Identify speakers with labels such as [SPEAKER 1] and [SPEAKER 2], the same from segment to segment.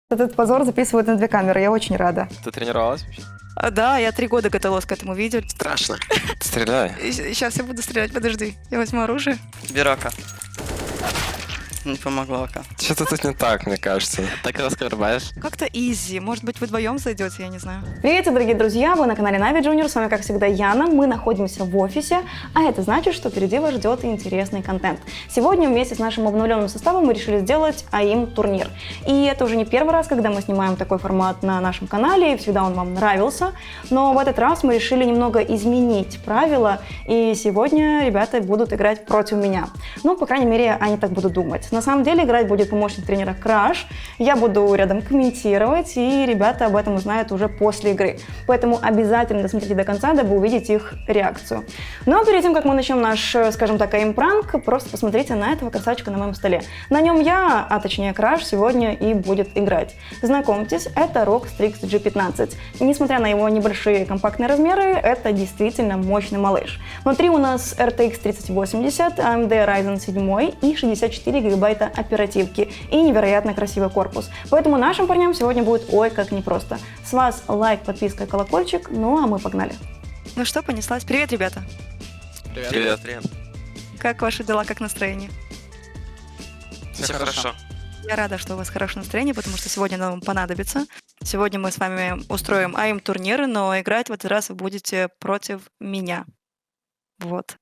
[SPEAKER 1] Этот позор записывают на 2 камеры, я очень рада.
[SPEAKER 2] Ты тренировалась вообще?
[SPEAKER 3] Да, я 3 года готовилась к этому видео.
[SPEAKER 2] Страшно. Стреляй.
[SPEAKER 3] Сейчас я буду стрелять, подожди. Я возьму оружие.
[SPEAKER 4] Берока. Не помогло пока.
[SPEAKER 2] Что-то тут не так, мне кажется. Так раскрываешь.
[SPEAKER 3] Как-то изи. Может быть, вы вдвоем зайдете, я не знаю.
[SPEAKER 1] Привет, дорогие друзья! Вы на канале Нави Junior. С вами, как всегда, Яна. Мы находимся в офисе, а это значит, что впереди вас ждет интересный контент. Сегодня вместе с нашим обновленным составом мы решили сделать АИМ-турнир. И это уже не первый раз, когда мы снимаем такой формат на нашем канале, и всегда он вам нравился. Но в этот раз мы решили немного изменить правила, и сегодня ребята будут играть против меня. Ну, по крайней мере, они так будут думать. На самом деле играть будет помощник тренера Краш. Я буду рядом комментировать, и ребята об этом узнают уже после игры. Поэтому обязательно досмотрите до конца, дабы увидеть их реакцию. Но перед тем, как мы начнем наш, скажем так, аим-пранк, просто посмотрите на этого красавчика на моем столе. На нем я, а точнее Краш, сегодня и будет играть. Знакомьтесь, это ROG Strix G15. Несмотря на его небольшие компактные размеры, это действительно мощный малыш. Внутри у нас RTX 3080, AMD Ryzen 7 и 64 ГБ оперативки и невероятно красивый корпус. Поэтому нашим парням сегодня будет ой как непросто. С вас лайк, подписка, колокольчик, ну а мы погнали.
[SPEAKER 3] Ну что, понеслась. Привет, ребята.
[SPEAKER 2] Привет.
[SPEAKER 3] Как ваши дела, как настроение?
[SPEAKER 4] Все хорошо.
[SPEAKER 3] Я рада, что у вас хорошее настроение, потому что сегодня оно вам понадобится. Сегодня мы с вами устроим АИМ-турниры, но играть в этот раз вы будете против меня. Вот.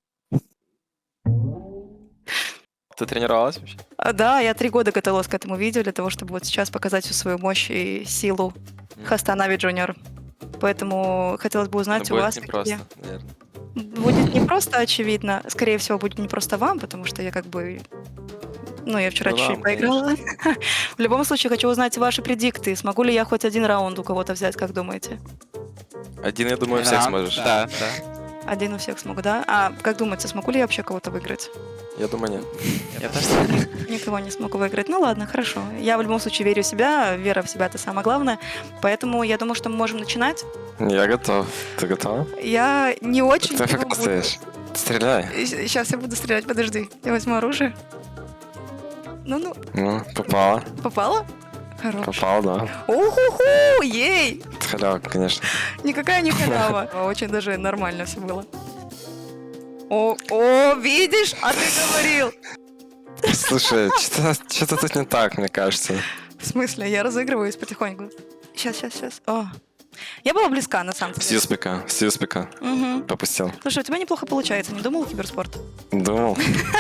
[SPEAKER 2] Ты тренировалась вообще?
[SPEAKER 3] Да, я 3 года готовилась к этому видео для того, чтобы вот сейчас показать всю свою мощь и силу хоста Нави Junior. Поэтому хотелось бы узнать
[SPEAKER 2] Ну,
[SPEAKER 3] у
[SPEAKER 2] будет
[SPEAKER 3] вас,
[SPEAKER 2] непросто, наверное.
[SPEAKER 3] Будет не просто, очевидно. Скорее всего, будет не просто вам, потому что я как бы... Ну, я вчера
[SPEAKER 2] Ну,
[SPEAKER 3] чуть-чуть
[SPEAKER 2] вам,
[SPEAKER 3] поиграла. В любом случае, хочу узнать ваши предикты. Смогу ли я хоть один раунд у кого-то взять, как думаете?
[SPEAKER 2] Один, я думаю, всех сможешь.
[SPEAKER 4] Да.
[SPEAKER 3] Один у всех смогу, да? А как думаете, смогу ли я вообще кого-то выиграть?
[SPEAKER 2] Я думаю, нет.
[SPEAKER 4] Я тоже.
[SPEAKER 3] Никого не смогу выиграть. Ну ладно, хорошо. Я в любом случае верю в себя. Вера в себя — это самое главное. Поэтому я думаю, что мы можем начинать.
[SPEAKER 2] Я готов. Ты готова?
[SPEAKER 3] Я не очень...
[SPEAKER 2] Ты пока стоишь. Стреляй.
[SPEAKER 3] Сейчас я буду стрелять, подожди. Я возьму оружие. Ну,
[SPEAKER 2] Ну, попала.
[SPEAKER 3] попала? Хорош.
[SPEAKER 2] Попал, да.
[SPEAKER 3] Уху-ху! Ей!
[SPEAKER 2] Это халява, конечно.
[SPEAKER 3] Никакая не халява. Очень даже нормально все было. О, видишь? А ты говорил.
[SPEAKER 2] Слушай, что-то тут не так, мне кажется.
[SPEAKER 3] В смысле? Я разыгрываюсь потихоньку. Сейчас. О. Я была близка, на самом деле.
[SPEAKER 2] Стьюспика.
[SPEAKER 3] Угу.
[SPEAKER 2] Попустил.
[SPEAKER 3] Слушай, у тебя неплохо получается. Не думал киберспорт?
[SPEAKER 2] Думал.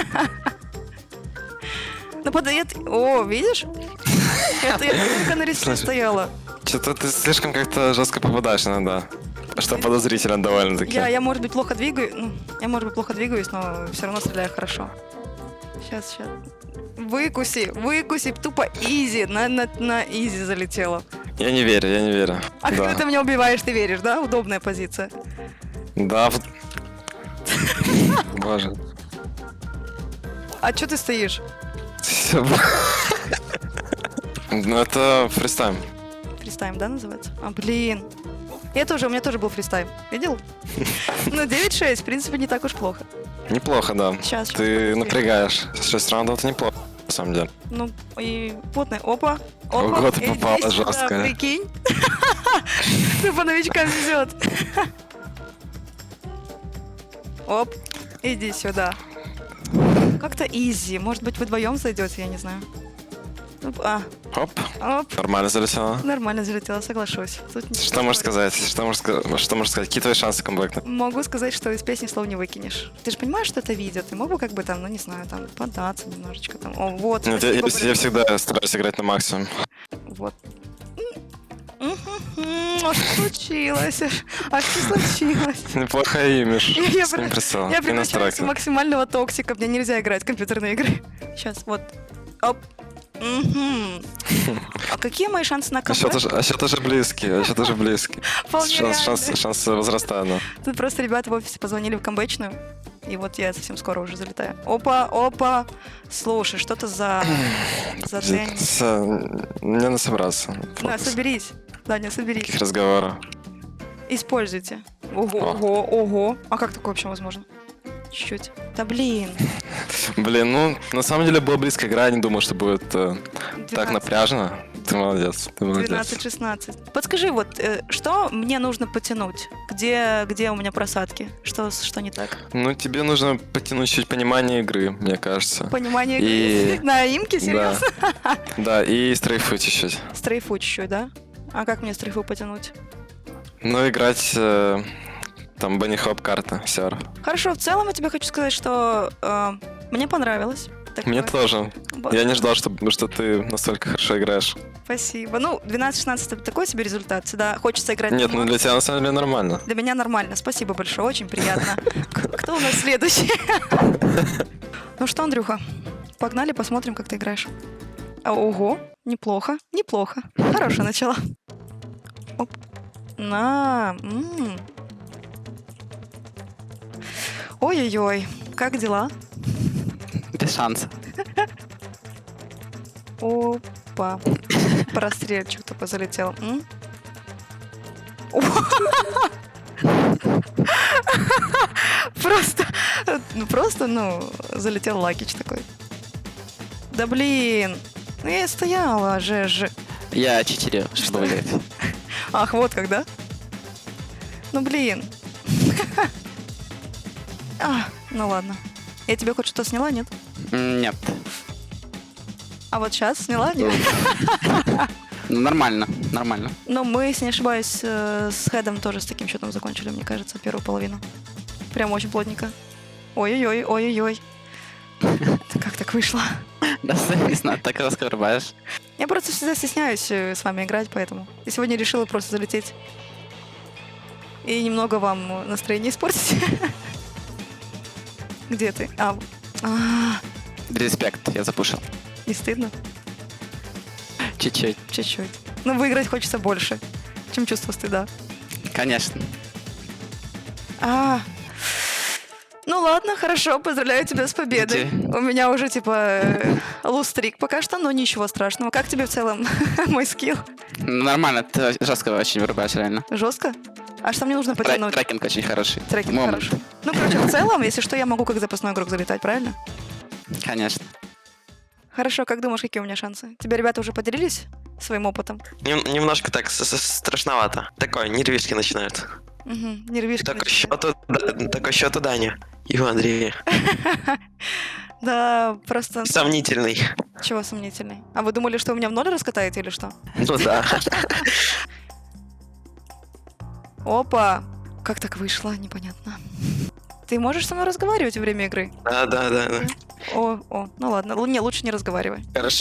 [SPEAKER 3] Ну, О, видишь? Это я только на ресте
[SPEAKER 2] Слушай.
[SPEAKER 3] стояла.
[SPEAKER 2] Что-то ты слишком как-то жестко попадаешь иногда. Что подозрительно довольно-таки.
[SPEAKER 3] Я, может быть, плохо двигаюсь. Я, может быть, плохо двигаюсь, но все равно стреляю хорошо. Сейчас. Выкуси, тупо изи, на изи залетела.
[SPEAKER 2] Я не верю.
[SPEAKER 3] А
[SPEAKER 2] Да.
[SPEAKER 3] когда ты меня убиваешь, ты веришь, да? Удобная позиция.
[SPEAKER 2] Да. Боже.
[SPEAKER 3] А что ты стоишь?
[SPEAKER 2] Всё. Ну, это фристайм.
[SPEAKER 3] Фристайм, да, называется? А, блин. У меня тоже был фристайм. Видел? Ну, 9-6, в принципе, не так уж плохо.
[SPEAKER 2] Неплохо, да.
[SPEAKER 3] Сейчас.
[SPEAKER 2] Ты напрягаешь. 6 раундов — это неплохо, на самом деле.
[SPEAKER 3] Ну, и плотная. Опа.
[SPEAKER 2] Ого, ты
[SPEAKER 3] иди
[SPEAKER 2] попала
[SPEAKER 3] сюда,
[SPEAKER 2] жестко.
[SPEAKER 3] Прикинь. Ты по новичкам везет. Оп, иди сюда. Как-то изи. Может быть, вы вдвоем зайдете, я не знаю.
[SPEAKER 2] Оп,
[SPEAKER 3] Оп.
[SPEAKER 2] нормально залетело.
[SPEAKER 3] Нормально залетела, соглашусь. Тут ничего
[SPEAKER 2] Что можешь
[SPEAKER 3] спорить.
[SPEAKER 2] сказать? Что можешь сказать? Какие твои шансы камбэкнуть?
[SPEAKER 3] Могу сказать, что из песни слов не выкинешь. Ты же понимаешь, что это видео? Ты мог бы как бы там, ну не знаю, там податься немножечко там. О, вот.
[SPEAKER 2] Нет,
[SPEAKER 3] спасибо
[SPEAKER 2] я
[SPEAKER 3] большое.
[SPEAKER 2] всегда стараюсь играть на максимум.
[SPEAKER 3] Вот. А что случилось? А что случилось?
[SPEAKER 2] Неплохо имидж.
[SPEAKER 3] Я
[SPEAKER 2] С ним прицел.
[SPEAKER 3] Я
[SPEAKER 2] И
[SPEAKER 3] превращаюсь в
[SPEAKER 2] настройки.
[SPEAKER 3] максимального токсика. Мне нельзя играть в компьютерные игры. Сейчас, вот. Оп. Мгм. А какие мои шансы на
[SPEAKER 2] А счет
[SPEAKER 3] камбэк?
[SPEAKER 2] уже близкий.
[SPEAKER 3] Вполне реально.
[SPEAKER 2] Шанс возрастает, да.
[SPEAKER 3] Тут просто ребята в офисе позвонили в камбэчную. И вот я совсем скоро уже залетаю. Опа. Слушай, что-то за день.
[SPEAKER 2] Мне надо собраться.
[SPEAKER 3] На, соберись. Даня, соберись.
[SPEAKER 2] Каких разговоров?
[SPEAKER 3] Используйте. Ого. А как такое вообще возможно? Чуть-чуть. Да блин.
[SPEAKER 2] Блин, ну, на самом деле была близкая игра, я не думал, что будет так
[SPEAKER 3] 12.
[SPEAKER 2] напряжно. Ты молодец, ты молодец.
[SPEAKER 3] 12-16. Подскажи, вот, что мне нужно потянуть? Где у меня просадки? Что не так?
[SPEAKER 2] Ну, тебе нужно потянуть чуть понимание игры, мне кажется.
[SPEAKER 3] Понимание
[SPEAKER 2] И-
[SPEAKER 3] игры? На имке, серьезно?
[SPEAKER 2] Да, и стрейфу чуть-чуть.
[SPEAKER 3] Стрейфу чуть-чуть, да? А как мне стрейфу потянуть?
[SPEAKER 2] Ну, играть там Bunny Hop карта, серв.
[SPEAKER 3] Хорошо, в целом я тебе хочу сказать, что мне понравилось. такое.
[SPEAKER 2] Мне тоже.
[SPEAKER 3] Вот.
[SPEAKER 2] Я не ждал, что ты настолько хорошо играешь.
[SPEAKER 3] Спасибо. Ну, 12-16 это такой себе результат. Всегда хочется играть.
[SPEAKER 2] Нет,
[SPEAKER 3] на
[SPEAKER 2] ну для тебя на самом деле нормально.
[SPEAKER 3] Для меня нормально. Спасибо большое, очень приятно. Кто у нас следующий? Ну что, Андрюха, погнали, посмотрим, как ты играешь. Ого, неплохо, неплохо. Хорошее начало. Оп. Ой-ой-ой, как дела?
[SPEAKER 4] Без шанса.
[SPEAKER 3] Опа. Прострельчик только залетел. Просто, залетел лакич такой. Да блин. Ну я и стояла же.
[SPEAKER 4] Я читерил, чтобы выиграть.
[SPEAKER 3] Ах, вот когда. Ну блин. Ну ладно. Я тебе хоть что-то сняла, нет?
[SPEAKER 4] Нет.
[SPEAKER 3] А вот сейчас сняла, нет?
[SPEAKER 4] Ну, нормально, нормально.
[SPEAKER 3] Но мы, если не ошибаюсь, с Хедом тоже с таким счетом закончили, мне кажется, первую половину. Прям очень плотненько. Ой-ой-ой, ой-ой-ой. Как так вышло?
[SPEAKER 4] Да, не знаю, так раскрываешь.
[SPEAKER 3] Я просто всегда стесняюсь с вами играть, поэтому. И сегодня решила просто залететь. И немного вам настроение испортить. Где ты?
[SPEAKER 4] Респект, я запушил.
[SPEAKER 3] Не стыдно?
[SPEAKER 4] Чуть-чуть.
[SPEAKER 3] Чуть-чуть. Но выиграть хочется больше, чем чувство стыда.
[SPEAKER 4] Конечно.
[SPEAKER 3] Ну ладно, хорошо, поздравляю тебя с победой.
[SPEAKER 4] Где?
[SPEAKER 3] У меня уже лустрик пока что, но ничего страшного. Как тебе в целом мой скилл?
[SPEAKER 4] Ну, нормально, ты жестко очень вырубаешь, реально.
[SPEAKER 3] Жестко? А что мне нужно потянуть?
[SPEAKER 4] Трекинг очень хороший.
[SPEAKER 3] Трекинг
[SPEAKER 4] Момент.
[SPEAKER 3] хороший. Ну, короче, в целом, если что, я могу как запасной игрок залетать, правильно?
[SPEAKER 4] Конечно.
[SPEAKER 3] Хорошо, как думаешь, какие у меня шансы? Тебя ребята уже поделились своим опытом?
[SPEAKER 5] Немножко так страшновато. Такое, нервишки начинают.
[SPEAKER 3] Угу, нервишки.
[SPEAKER 5] Такой счет у Дани и у Андрея.
[SPEAKER 3] Да, просто...
[SPEAKER 5] Сомнительный.
[SPEAKER 3] Чего сомнительный? А вы думали, что вы меня в ноль раскатаете или что?
[SPEAKER 5] Ну да.
[SPEAKER 3] Опа! Как так вышло? Непонятно. Ты можешь со мной разговаривать во время игры?
[SPEAKER 5] Да.
[SPEAKER 3] Ну ладно. Не, лучше не разговаривай.
[SPEAKER 5] Хорошо.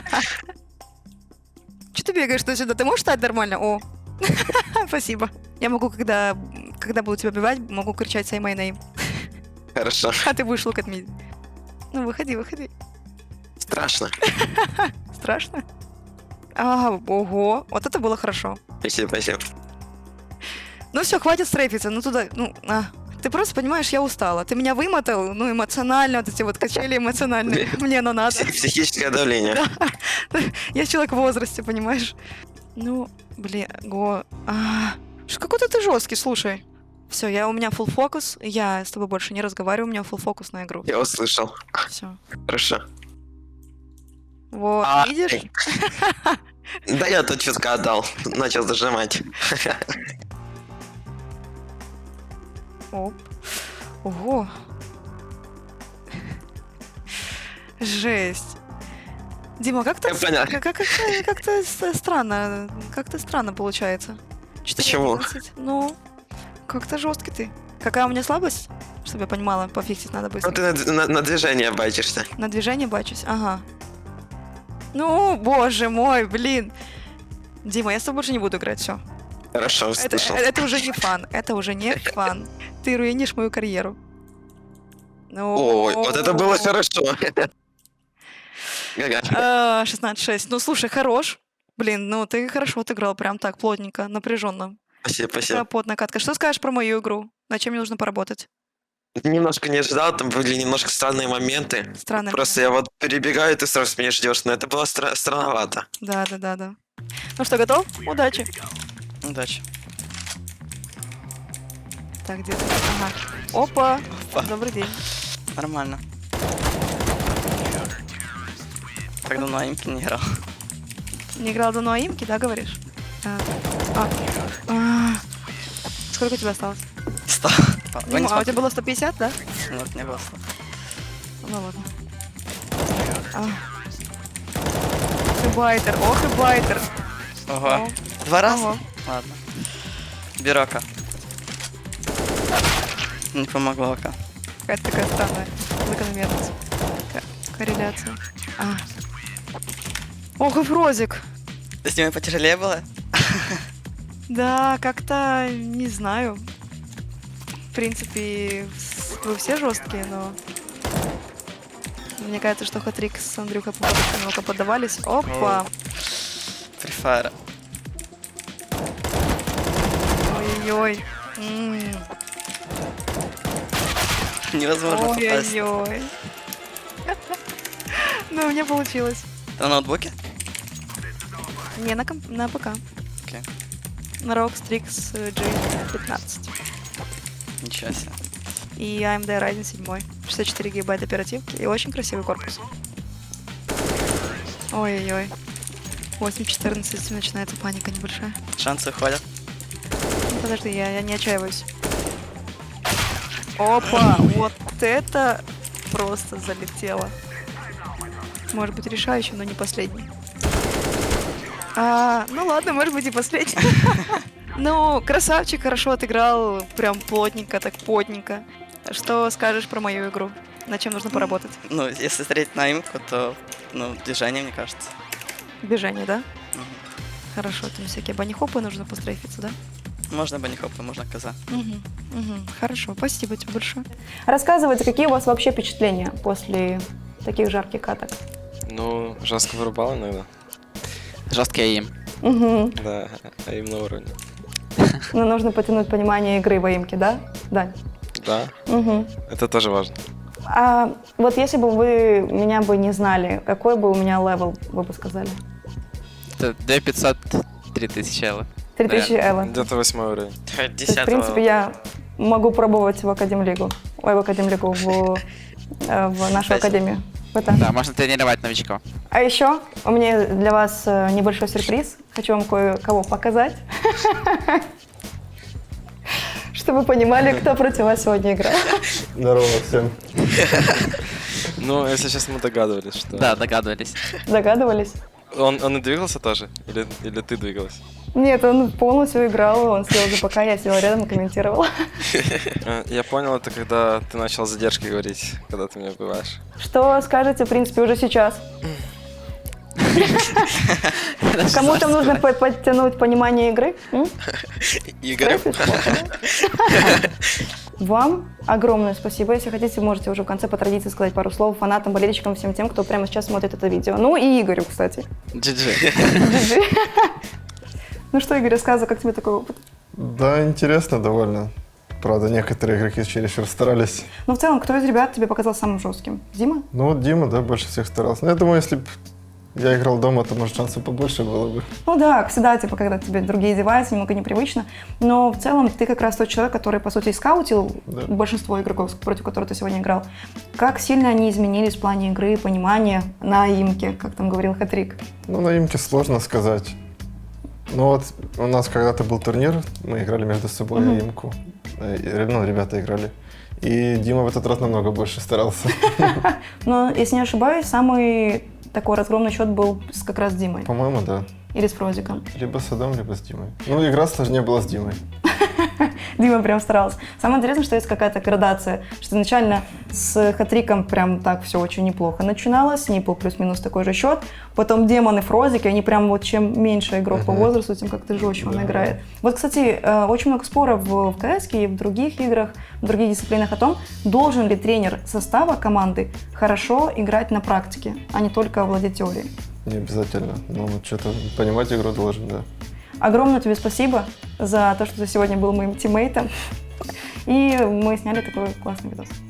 [SPEAKER 3] Че ты бегаешь туда-сюда? Ты можешь стать нормально? Спасибо. Я могу, когда буду тебя убивать, могу кричать «Say my name».
[SPEAKER 5] Хорошо.
[SPEAKER 3] А ты будешь look at me. Ну, выходи.
[SPEAKER 5] Страшно.
[SPEAKER 3] Страшно? Ого. Вот это было хорошо.
[SPEAKER 5] Спасибо.
[SPEAKER 3] Ну все, хватит стрейфиться. Ну туда, Ты просто понимаешь, я устала. Ты меня вымотал, эмоционально, вот эти вот качели эмоциональные. Мне оно надо.
[SPEAKER 5] Психическое давление.
[SPEAKER 3] Я человек в возрасте, понимаешь? Ну, блин, какой-то ты жесткий, слушай. Все, у меня full фокус, я с тобой больше не разговариваю, у меня full фокус на игру.
[SPEAKER 5] Я услышал.
[SPEAKER 3] Все.
[SPEAKER 5] Хорошо.
[SPEAKER 3] Вот, видишь?
[SPEAKER 5] Да я тут чутка отдал. Начал зажимать.
[SPEAKER 3] Оп. Ого. Жесть. Дима, как-то странно получается.
[SPEAKER 5] Почему?
[SPEAKER 3] 14. Ну, как-то жесткий ты. Какая у меня слабость? Чтобы я понимала, пофиксить надо быстро.
[SPEAKER 5] Ну ты на движение бачишься.
[SPEAKER 3] На движение бачусь, ага. Ну, боже мой, блин. Дима, я с тобой больше не буду играть, все.
[SPEAKER 5] Хорошо, услышал.
[SPEAKER 3] Это уже не фан, это уже не фан. Ты руинишь мою карьеру.
[SPEAKER 5] Ой, вот это было хорошо.
[SPEAKER 3] 16-6. Ну, слушай, хорош. Блин, ты хорошо отыграл, прям так, плотненько, напряженно.
[SPEAKER 5] Спасибо.
[SPEAKER 3] Потная катка. Что скажешь про мою игру? На чем мне нужно поработать?
[SPEAKER 5] Немножко не ожидал, там были немножко странные моменты.
[SPEAKER 3] Странные
[SPEAKER 5] Просто я вот перебегаю, и ты сразу меня ждешь, но это было странновато.
[SPEAKER 3] Да. Ну что, готов? Удачи.
[SPEAKER 4] Удачи.
[SPEAKER 3] Так, где-то. Ага. Опа. Добрый день.
[SPEAKER 4] Нормально. Так давно на имке не играл.
[SPEAKER 3] Не играл давно аимки, да, говоришь? А. Сколько у тебя осталось?
[SPEAKER 4] 100. Вы не
[SPEAKER 3] А у тебя
[SPEAKER 4] смотрите?
[SPEAKER 3] было 150, да?
[SPEAKER 4] Нет, не было 100.
[SPEAKER 3] Ну ладно. Ты байтер, ох и байтер.
[SPEAKER 4] Ого. 2 раза?
[SPEAKER 3] Ого.
[SPEAKER 4] Ладно. Бирока. Не помогло ока.
[SPEAKER 3] Какая-то такая странная закономерность. Корреляция. Ох и Фрозик.
[SPEAKER 4] С ними потяжелее было?
[SPEAKER 3] Да, как-то не знаю. В принципе, вы все жесткие, но мне кажется, что хатрик с Андрюхой немного поддавались. Опа!
[SPEAKER 4] Free Fire.
[SPEAKER 3] Ой-ой-ой.
[SPEAKER 4] Невозможно попасть.
[SPEAKER 3] Ой-ой-ой. Ну, у меня получилось.
[SPEAKER 4] На ноутбуке?
[SPEAKER 3] Не, на ПК.
[SPEAKER 4] Окей.
[SPEAKER 3] На ROG Strix G15.
[SPEAKER 4] Ничего себе.
[SPEAKER 3] И AMD Ryzen 7. 64 гигабайта оперативки и очень красивый корпус. Ой-ой-ой. 8.14 начинается паника небольшая.
[SPEAKER 4] Шансы уходят.
[SPEAKER 3] Ну, подожди, я не отчаиваюсь. Опа! Вот это просто залетело. Может быть решающим, но не последним. Ну ладно, может быть и последний. Ну, красавчик, хорошо отыграл, прям плотненько, так потненько. Что скажешь про мою игру? Над чем нужно поработать?
[SPEAKER 4] Ну, если смотреть на имку, то, движение, мне кажется.
[SPEAKER 3] Движение, да?
[SPEAKER 4] Мгм.
[SPEAKER 3] Хорошо, там всякие банихопы нужно пострейфиться, да?
[SPEAKER 4] Можно банихопы, можно коза.
[SPEAKER 3] Хорошо, спасибо тебе большое.
[SPEAKER 1] Рассказывайте, какие у вас вообще впечатления после таких жарких каток?
[SPEAKER 2] Ну, жестко вырубал иногда.
[SPEAKER 4] Жесткий аим.
[SPEAKER 1] Угу.
[SPEAKER 2] Да, а им на уровне.
[SPEAKER 1] Но нужно потянуть понимание игры в аимке, да, Дань?
[SPEAKER 2] Да,
[SPEAKER 1] Угу.
[SPEAKER 2] это тоже важно.
[SPEAKER 1] А вот если бы вы меня бы не знали, какой бы у меня левел, вы бы сказали?
[SPEAKER 6] Это 2500, 3000 элла.
[SPEAKER 1] 3000 элла.
[SPEAKER 2] Где-то 8 уровень.
[SPEAKER 1] То есть, в принципе, я могу пробовать в Академлигу. Ой, в Академлигу, в нашу
[SPEAKER 4] Кстати.
[SPEAKER 1] академию. Это.
[SPEAKER 6] Да, можно тренировать новичков.
[SPEAKER 1] А еще у меня для вас небольшой сюрприз. Хочу вам кое-кого показать. Чтобы вы понимали, кто против вас сегодня играет.
[SPEAKER 7] Здорово всем.
[SPEAKER 2] Ну, если честно, мы догадывались, что...
[SPEAKER 6] Да, догадывались.
[SPEAKER 1] Догадывались?
[SPEAKER 2] Он и двигался тоже? Или ты двигалась?
[SPEAKER 1] Нет, он полностью играл, он сидел за ПК, я сидела рядом и комментировала.
[SPEAKER 2] Я понял, это когда ты начал задержки говорить, когда ты меня убиваешь.
[SPEAKER 1] Что скажете, в принципе, уже сейчас? Кому-то нужно подтянуть понимание игры?
[SPEAKER 5] Игорь.
[SPEAKER 1] Вам огромное спасибо. Если хотите, можете уже в конце по традиции сказать пару слов фанатам, болельщикам, всем тем, кто прямо сейчас смотрит это видео. Ну и Игорю, кстати.
[SPEAKER 6] GG.
[SPEAKER 1] GG. Ну что, Игорь, рассказывай, как тебе такой опыт?
[SPEAKER 7] Да, интересно довольно. Правда, некоторые игроки чересчур старались.
[SPEAKER 1] Ну, в целом, кто из ребят тебе показался самым жестким? Дима?
[SPEAKER 7] Ну вот Дима, да, больше всех старался. Но я думаю, если бы я играл дома, то, может, шансов побольше было бы.
[SPEAKER 1] Ну да, всегда, типа, когда тебе другие девайсы, немного непривычно. Но в целом ты как раз тот человек, который, по сути, скаутил
[SPEAKER 7] Да.
[SPEAKER 1] большинство игроков, против которых ты сегодня играл. Как сильно они изменились в плане игры, понимания на имке, как там говорил Хатрик?
[SPEAKER 7] Ну, на имке сложно сказать. Ну вот у нас когда-то был турнир, мы играли между собой
[SPEAKER 1] Мгм.
[SPEAKER 7] имку. Ну, ребята играли. И Дима в этот раз намного больше старался.
[SPEAKER 1] Но, если не ошибаюсь, самый такой разгромный счет был как раз с Димой.
[SPEAKER 7] По-моему, да.
[SPEAKER 1] Или с Фрозиком.
[SPEAKER 7] Либо с Адамом, либо с Димой. Ну, игра сложнее была с Димой.
[SPEAKER 1] Дима прям старался. Самое интересное, что есть какая-то градация, что изначально с Хатриком прям так все очень неплохо начиналось, с ней был плюс-минус такой же счет, потом Демон и Фрозик, и они прям вот чем меньше игрок по возрасту, тем как-то жестче он
[SPEAKER 7] Да.
[SPEAKER 1] играет. Вот, кстати, очень много споров в КС и в других играх, в других дисциплинах о том, должен ли тренер состава команды хорошо играть на практике, а не только владеть теорией.
[SPEAKER 7] Не обязательно. Ну, что-то понимать игру должен, да.
[SPEAKER 1] Огромное тебе спасибо за то, что ты сегодня был моим тиммейтом. И мы сняли такой классный видос.